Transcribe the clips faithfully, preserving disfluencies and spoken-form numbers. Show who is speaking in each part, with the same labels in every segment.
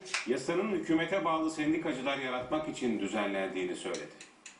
Speaker 1: yasanın hükümete bağlı sendikacılar yaratmak için düzenlendiğini söyledi.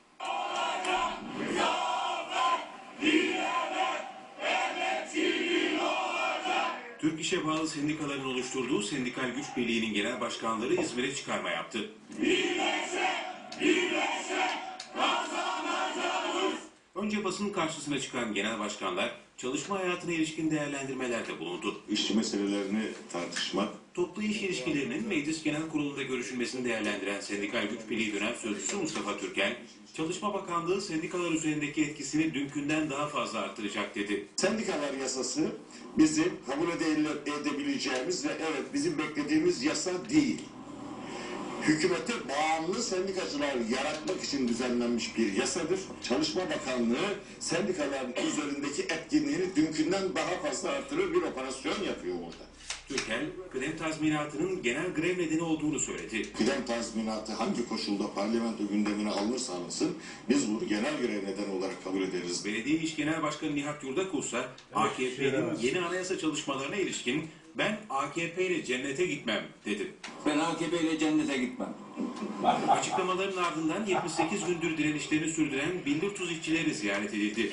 Speaker 1: Türk İş'e bağlı sendikaların oluşturduğu Sendikal Güç Birliği'nin genel başkanları İzmir'e çıkarma yaptı. Birleşe, birleşe, kazanacağız. Önce basın karşısına çıkan genel başkanlar çalışma hayatına ilişkin değerlendirmelerde bulundu.
Speaker 2: İşçi meselelerini tartışmak,
Speaker 1: toplu iş ilişkilerinin Meclis Genel Kurulu'nda görüşülmesini değerlendiren Sendikal Güç Birliği dönem sözcüsü Mustafa Türkel, Çalışma Bakanlığı sendikalar üzerindeki etkisini dünkünden daha fazla arttıracak dedi.
Speaker 2: Sendikalar yasası bizim kabul edebileceğimiz ve evet bizim beklediğimiz yasa değil. Hükümete bağımlı sendikacılar yaratmak için düzenlenmiş bir yasadır. Çalışma Bakanlığı sendikaların üzerindeki etkinliğini dünkünden daha fazla artırır bir operasyon yapıyor burada.
Speaker 1: Türkel, kıdem tazminatının genel grev nedeni olduğunu söyledi.
Speaker 2: Kıdem tazminatı hangi koşulda parlamento gündemine alınırsa alınsın, biz bunu genel grev nedeni olarak kabul ederiz.
Speaker 1: Belediye İş Genel Başkanı Nihat Yurdakul ise A K P'nin yeni anayasa çalışmalarına ilişkin ben A K P ile cennete gitmem dedi.
Speaker 3: Ben A K P ile cennete gitmem.
Speaker 1: Açıklamaların ardından yetmiş sekiz gündür direnişlerini sürdüren Billurtuz işçileri ziyaret edildi.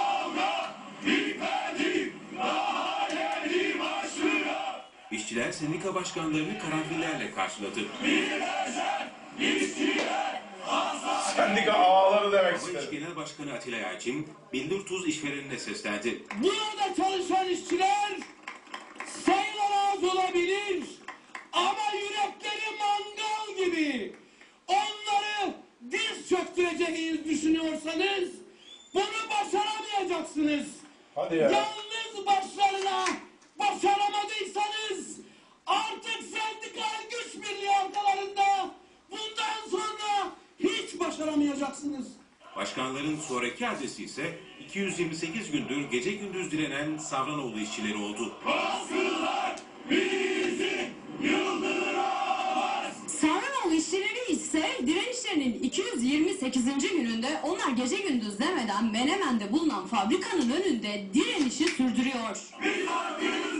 Speaker 1: İşçiler sendika başkanlarını karanfillerle karşıladı.
Speaker 4: Sendika ağaları demek
Speaker 1: Hava İş
Speaker 4: istedim.
Speaker 1: Genel Başkanı Atilla Yalçın, Billurtuz işverenine seslendi.
Speaker 5: Burada çalışan işçiler sayılar az olabilir ama yürekleri mangal gibi. Onları diz çöktüreceğinizi düşünüyorsanız bunu başaramayacaksınız.
Speaker 4: Hadi ya.
Speaker 5: Yalnız başlarına başaramadıysanız artık sendikal güç birliği arkalarında bundan sonra hiç başaramayacaksınız.
Speaker 1: Başkanların sonraki adresi ise iki yüz yirmi sekiz gündür gece gündüz direnen Savranoğlu işçileri oldu.
Speaker 6: Savranoğlu işçileri ise direnişlerinin iki yüz yirmi sekizinci gününde onlar gece gündüz demeden Menemen'de bulunan fabrikanın önünde direnişi sürdürüyor.